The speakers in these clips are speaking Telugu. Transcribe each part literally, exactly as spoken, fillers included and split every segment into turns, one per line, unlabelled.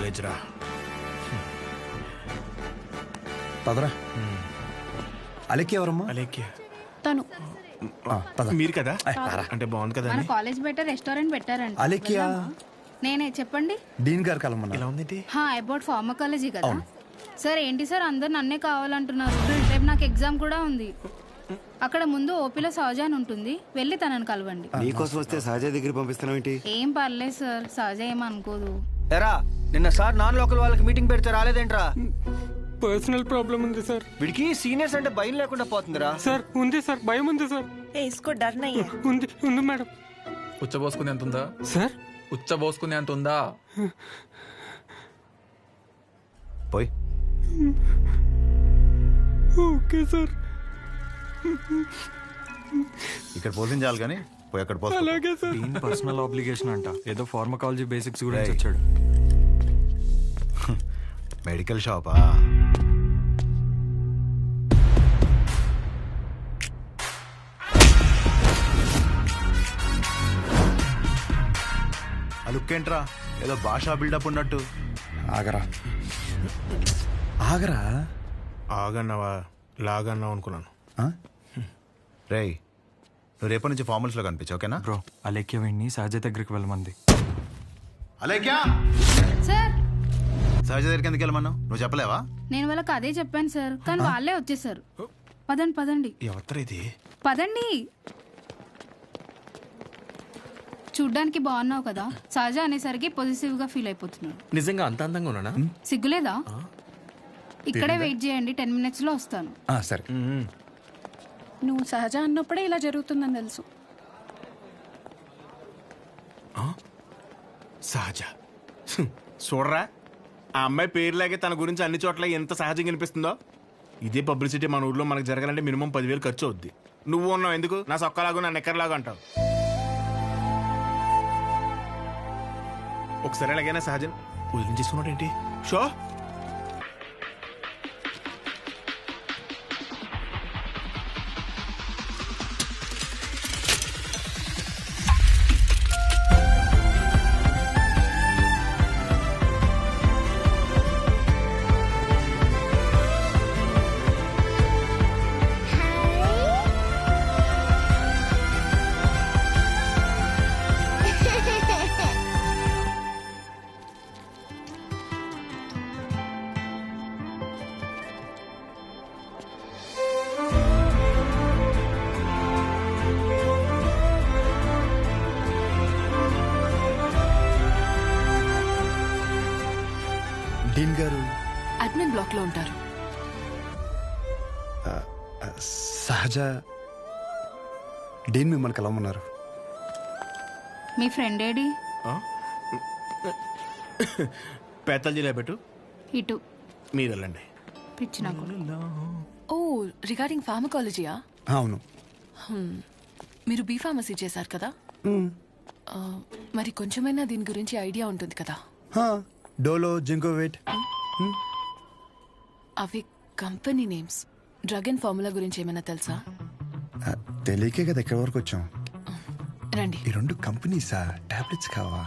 కాలేజ్ రా.
పదరా. అలెక్కి ఎవరమ్మా?
అలేఖ్య
తను
మీరు కదా? అంటే బాగుంది కదా.
మన కాలేజ్ బయట రెస్టారెంట్ పెట్టారంట.
అలెక్కియా?
నేనే చెప్పండి.
డీన్ గారు కలమన్నా.
ఎలా ఉంది?
హా అబౌట్ ఫార్మకాలజీ కదా సార్. ఏంటి సార్ అందరు నన్నే కావాలంటున్నారు. రేపు నాకు ఎగ్జామ్ కూడా ఉంది. అక్కడ ముందు ఓపీలో సహజ అని ఉంటుంది, వెళ్ళి తనని కలవండి.
నీకోసం వస్తే సహజ దగ్గర పంపిస్తున్నావు ఏంటి?
ఏం పర్లేదు సార్, సహజ ఏమనుకోదు.
ఎరా నిన్న సార్ నాన్ లోకల్ వాళ్ళకి మీటింగ్ పెడితే రాలేదేంట్రా?
పర్సనల్ ప్రాబ్లం ఉంది సార్.
వీడికి సీనియర్స్ అంటే భయం లేకుండా పోతుందిరా.
సార్ ఉంది సార్, భయం ఉంది సార్.
ఏ ఇస్కో డర్ నహీ హై.
ఉంది ఉంది మేడం.
ఉచ్చబోసుకునే అంత ఉందా
సార్?
ఉచ్చబోసుకునే అంత ఉందా?
పోయి.
Okay sir.
ఇక్కడ పోషించాలి కానీ పోయి అక్కడ పోతా.
అలాగే సార్.
దీని పర్సనల్ ఆబ్లిగేషన్ అంట. ఏదో ఫార్మకాలజీ బేసిక్స్ గురించి వచ్చాడు.
మెడికల్ షాపా? అలుక్కేంట్రా ఏదో భాషా బిల్డప్ ఉన్నట్టు. ఆగరా ఆగరా.
ఆగన్నావా లాగన్నావు అనుకున్నాను.
రేయ్ నువ్వు రేపటి నుంచి ఫార్మల్స్ లో కనిపించు, ఓకేనా?
బ్రో అలేఖ్య వెండి సహజ దగ్గరికి వెళ్ళమంది.
అలేఖ్య
సార్
సహజ దగ్గరికి ఎందుకు వెళ్ళమన్నావు? నువ్వు చెప్పలేవా?
నేను వాళ్ళకి అదే చెప్పాను సార్, కానీ వాళ్ళే వచ్చేసారు. పదండి పదండి
ఎవరు ఇది?
పదండి. చూడ్డానికి బాగున్నావు కదా, సహజ అనేసరికి పొజిటివ్ గా ఫీల్ అయిపోతున్నాడు.
నిజంగా అంత అందంగా ఉన్నానా?
సిగ్గులేదా? ఇక్కడే వెయిట్ చేయండి, టెన్ మినిట్స్ లో వస్తాను.
సరే.
నువ్వు సహజ అన్నప్పుడే ఇలా జరుగుతుందని తెలుసు.
సహజ హ్మ్. చూడరా ఆ అమ్మాయి పేరులాగే తన గురించి అన్ని చోట్ల ఎంత సహజంగా అనిపిస్తుందో. ఇదే పబ్లిసిటీ మన ఊర్లో మనకు జరగాలంటే మినిమం పదివేలు ఖర్చు అవుద్ది. నువ్వు ఉన్నావు ఎందుకు నా సొక్కలాగా నా నెక్కర్లాగా అంటావు. ఒకసారి ఎలాగైనా సహజం వదిలించేసుకున్నాడు ఏంటి? షో
డీన్ గారు
అడ్మిన్ బ్లాక్ లో ఉంటారు.
సహజ డీన్ మిమ్మల్ని కలవమన్నారు.
మీ ఫ్రెండ్ ఏడి?
పేతల్ జిల్లా పెట్టు,
ఇటు
మీరు వెళ్ళండి.
పిచ్చి నాకు.
ఓ రిగార్డింగ్ ఫార్మకాలజీయా?
అవును.
మీరు బీ ఫార్మసీ చేశారు కదా, ఆ, మరి కొంచెమైనా దీని గురించి ఐడియా ఉంటుంది కదా.
డోలో జింకోవేట్
అవి company names. Drug and formula గురించి ఏమైనా తెలుసా?
తెలియకే కదా ఎక్కడి వరకు వచ్చాం.
రండి.
ఈ రెండు కంపెనీసా? టాబ్లెట్స్ కావా?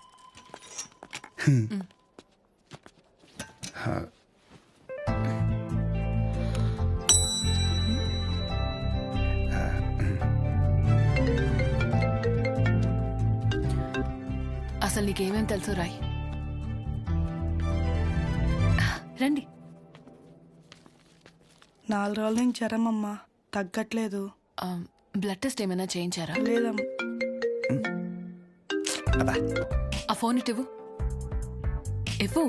అసలు నీకేమేం తెలుసు రాయ్. రండి.
నాలుగు రోజుల నుంచి జ్వరం అమ్మా, తగ్గట్లేదు.
ఆ, బ్లడ్ టెస్ట్ ఏమైనా చేయించారా?
లేదమ్మా.
ఆ ఫోన్ ఇటు ఇవ్వు. ఇవ్వు.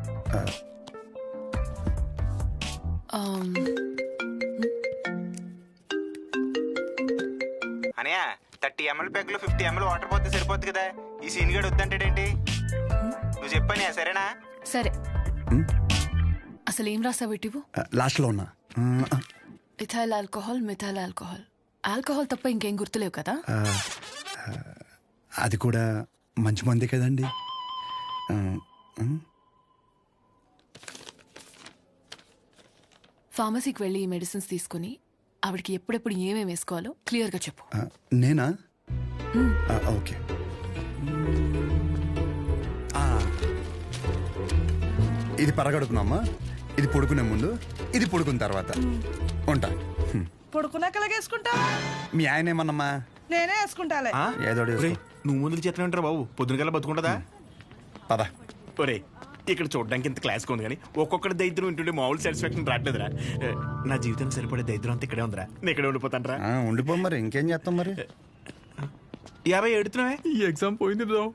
అనయా థర్టీ ఎంఎల్ ప్యాక్ లో ఫిఫ్టీ ఎంఎల్ వాటర్ పోతే సరిపోద్ది కదా. ఈ సీన్ గడు వద్దంటాడేంటి? నువ్వు చెప్పానే సరేనా?
సరే. అసలు ఏం రాసావు ఇటు?
లాస్ట్ లో ఉన్నా.
Ethyl alcohol, methyl alcohol. Alcohol తప్ప ఇంకేం గుర్తులేవు కదా?
అది కూడా మంచి మంది కదండి.
ఫార్మసీకి వెళ్ళి ఈ మెడిసిన్స్ తీసుకుని ఆవిడకి ఎప్పుడెప్పుడు ఏమేమి వేసుకోవాలో క్లియర్గా చెప్పు.
నేనా? ఓకే.
ఇది పరగడుపునమ్మా, ఇది పడుకునే ముందు, ఇది పడుకున్న తర్వాత. ఉంటా. హ్మ్.
పడుకున్నాక వేసుకుంటా.
మీ ఆయన ఏమన్నమ్మా?
నేనే వేసుకుంటాలే.
ఆ?
ఏదో ఒకటి
ఒరేయ్,
వేసుకో.
నువ్వు ముందుకు చేతనే ఉంటారా బాబు? పొద్దున కల్లా బతుకుంటుందా?
పద.
ఒరే, ఇక్కడ చూడడానికి ఇంత క్లాస్ ఉంది కానీ ఒక్కొక్కటి దైద్యం వింటుండే మామూలు సాటిస్ఫాక్షన్ రావట్లేదురా. ఏ, నా జీవితానికి సరిపడే దైద్యం అంతా ఇక్కడే ఉందిరా. నేను ఇక్కడే ఉండిపోతానరా.
ఆ, ఉండిపో మరి, ఇంకేం చేస్తాం మరి.
యాభై ఎడుతున్నావే.
ఈ ఎగ్జామ్ పోయింది బ్రో.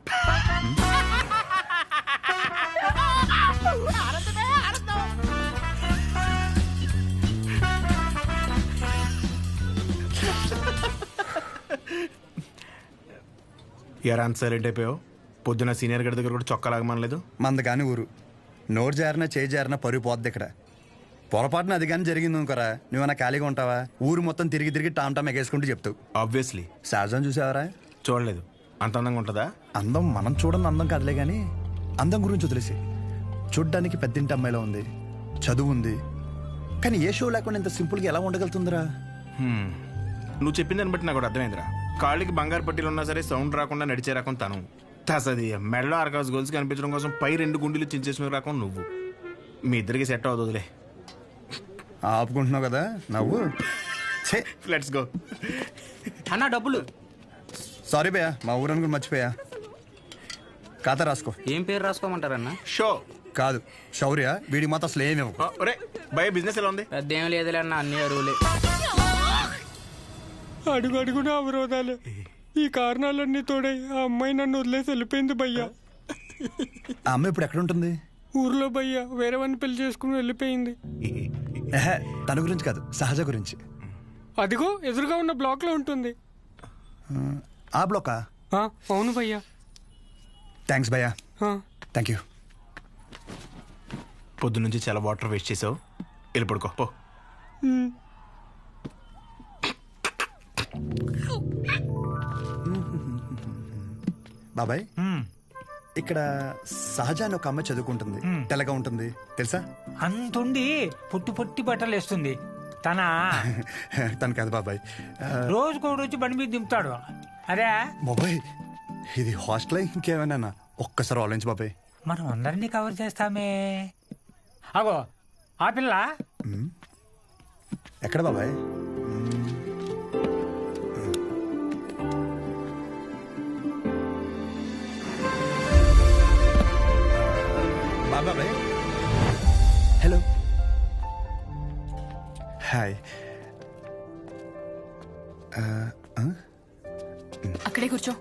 ఎరా అంత సైలెంట్ అయిపోయావు? పొద్దున సీనియర్ గడి దగ్గర కూడా చొక్కా లాగమనలేదు.
మంద కాని ఊరు, నోరు జారినా చేయి జారినా పరుగు పోద్ది ఇక్కడ. పొరపాటున అది కానీ జరిగింది అనుకోరా, నువ్వన్నా ఖాళీగా ఉంటావా? ఊరు మొత్తం తిరిగి తిరిగి టామ్ టామ్ ఎగేసుకుంటూ చెప్తావు.
ఆబ్వియస్లీ.
సహజం చూసావరా?
చూడలేదు. అంత అందంగా ఉంటుందా?
అందం మనం చూడని అందం కాదులే కానీ అందం గురించి వదిలేసి, చూడ్డానికి పెద్దింటి అమ్మాయిలో ఉంది, చదువు ఉంది, కానీ ఏ షో లేకుండా ఇంత సింపుల్గా ఎలా ఉండగలుగుతుందిరా?
హ్మ్. నువ్వు చెప్పిన దాన్ని బట్టి నాకు ఒకటి అర్థమైందిరా. కాళ్ళకి బంగారు పట్టీలు ఉన్నా సరే సౌండ్ రాకుండా నడిచే రకం తను. తసది మెడలో ఆర్కాస్ గోల్స్ కనిపించడం కోసం పై రెండు గుండెలు చించేసిన రకం నువ్వు. మీ ఇద్దరికి సెట్ అవుతుందిలే.
ఆపుకుంటున్నావు కదా నవ్వు.
Let's go.
అన్న డబ్బులు.
సారీ భయ్యా, మా ఊరని కూడా మర్చిపోయా. ఖాతా రాసుకో.
ఏం పేరు రాసుకోమంటారన్న?
షో
కాదు శౌర్య, వీడి మాత్రం అసలు ఏమి ఇవ్వకు.
ఒరే భయ, బిజినెస్ ఎలా ఉంది?
పెద్ద ఏం లేదులే అన్న, అన్ని అరువులే.
అడుగు అడుగున అవరోధాలే. ఈ కారణాలన్నీ తోడై ఆ అమ్మాయి నన్ను వదిలేసి వెళ్ళిపోయింది భయ్యా.
ఆ అమ్మాయి ఇప్పుడు ఎక్కడ ఉంటుంది?
ఊర్లో భయ్యా వేరే వాడిని పెళ్లి చేసుకుని వెళ్ళిపోయింది.
ఏహే, తన గురించి కాదు, సహజ గురించి.
అదిగో ఎదురుగా ఉన్న బ్లాక్ లో ఉంటుంది.
ఆ బ్లాకా?
ఆ, అవును భయ్యా.
థ్యాంక్స్ భయ్యా.
ఆ.
Thank you.
పొద్దు నుంచి చాలా వాటర్ వేస్ట్ చేసావు. వెళ్ళి పడుకో పో.
ఉమ్.
బాబాయ్, ఇక్కడ సహజ అని ఒక అమ్మాయి చదువుకుంటుంది, తెల్లగా ఉంటుంది తెలుసా?
అంతుండి పుట్టి పుట్టి బట్టలు వేస్తుంది. తన
తను కాదు బాబాయ్. ఆ,
రోజుకో రోజు బండి మీద దింపుతాడు. అరే
బాబాయ్, ఇది హాస్టల్ ఇంకేమైనా? ఒక్కసారి ఆలోచించు బాబాయ్.
మనం అందరినీ కవర్ చేస్తామే. అగో ఆ పిల్ల.
ఎక్కడ బాబాయ్? బాబాయ్, హలో, హాయ్.
అక్కడే కూర్చో.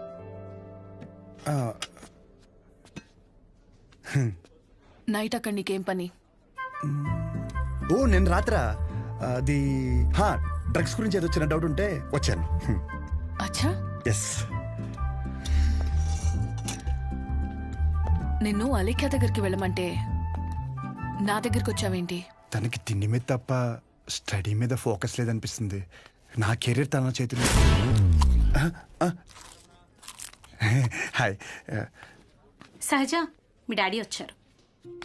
నైట్ అక్కడ నీకేం పని?
ఓ నేను రాత్రా అది హా డ్రగ్స్ గురించి ఏదో వచ్చిన డౌట్ ఉంటే వచ్చాను.
అచ్చా,
ఎస్.
నిన్ను అలేఖ్య దగ్గరికి వెళ్ళమంటే నా దగ్గరికి వచ్చావేంటి?
తనకి తిండి మీద తప్ప స్టడీ మీద ఫోకస్ లేదనిపిస్తుంది. నా కెరీర్ తన చేతిలో. హాయ్.
సహజ, మీ డాడీ వచ్చారు.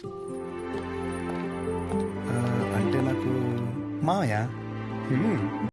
అంటే నాకు మామయ్య.